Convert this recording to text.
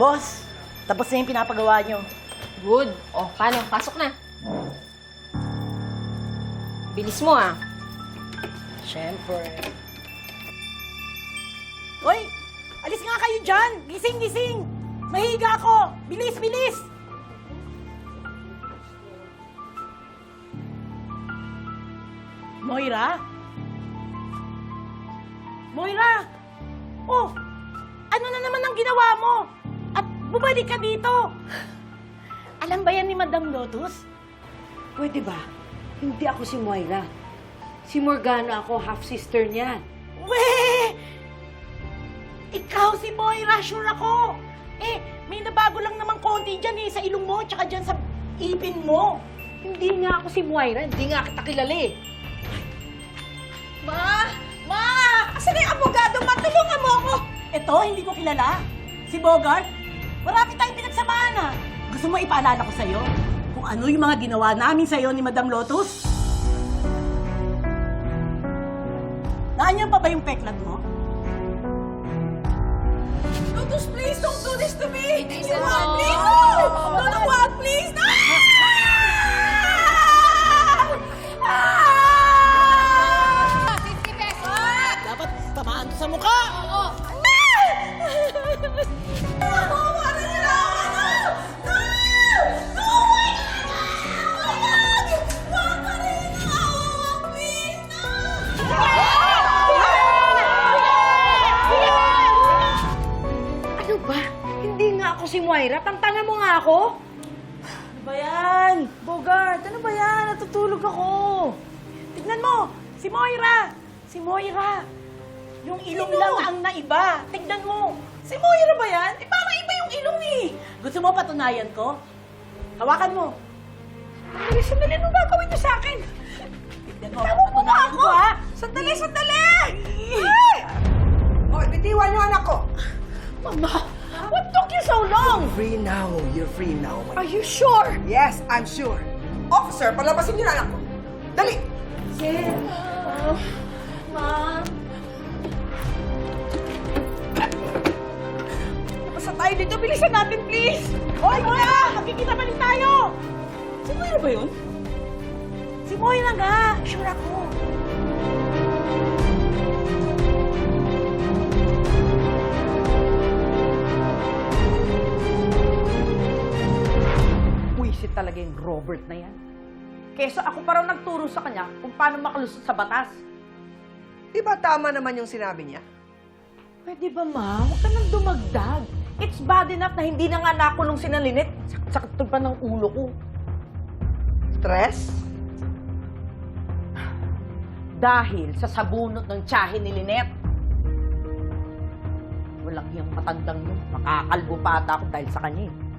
Boss, tapos na yung pinapagawa nyo. Good. O, paano? Pasok na. Bilis mo, ah. Siyempre. Hoy! Alis nga kayo dyan! Gising, gising! Mahiga ako! Bilis, bilis! Moira? Moira! Oh! Ano na naman ang ginawa mo? At bumalik ka dito! Alam ba yan ni Madam Lotus? Pwede ba? Hindi ako si Moira. Si Morgana ako, half-sister niya. Weh! Ikaw si Moira, sure ako! Eh, may nabago lang naman konti dyan sa ilong mo, tsaka dyan sa ipin mo. Hindi nga ako si Moira. Hindi nga kita kilala eh. Ma! Ma! Asan na yung abogado? Matulungan mo ako! Ito, hindi ko kilala. Si Bogart, marami tayong pinagsamahan ah. Gusto mo ipaalala ko sa'yo kung ano yung mga ginawa namin sa'yo ni Madam Lotus? Naanyan pa ba yung peklat mo? Lotus, please don't do this to me! Listen You want mo. me? No! No, no, what? Please! No! Ah! 50 pesos! Dapat tamaan to sa mukha! Oo. Wala nila ako! No! No! Oh my God! Wag ka rin ako! Please! No! Ano ba? Hindi nga ako si Moira. Tantangan mo nga ako. Ano ba yan? Bogart, ano ba yan? Natutulog ako. Tignan mo, si Moira. Si Moira. Yung ilong lang ang naiba. Tignan mo. Si Moira ba yan? Eh, parang iba yung ilong eh. Gusto mo patunayan ko? Hawakan mo. Sandali, ano gagawin niyo sa akin? Tignan mo, patunayan ko ha. Sandali, sandali! Ay! Hoy, bitiwan niyo anak ko! Mama, what took you so long? Free now. You're free now. Are you sure? Yes, I'm sure. Officer, palabasin niyo na anak ko. Dali! Ma'am. Napasa tayo dito. Bilisan natin, please. Hoy, Moira! Magkikita pa rin tayo! Si Moira ba yun? Si Moira nga. Sure ako. Buisit talaga yung Robert na yan. Kesa ako parang nagturo sa kanya kung paano makalusot sa batas. Di ba tama naman yung sinabi niya? Pwede ba, ma? Huwag ka nang dumagdag. It's bad enough na hindi na nga nakulong si Linet. Sakit pa ng ulo ko. Stress? Dahil sa sabunot ng tiyahe ni Linet. Walang iyang matandang yun. Makakalbo pa ata ako dahil sa kanya eh.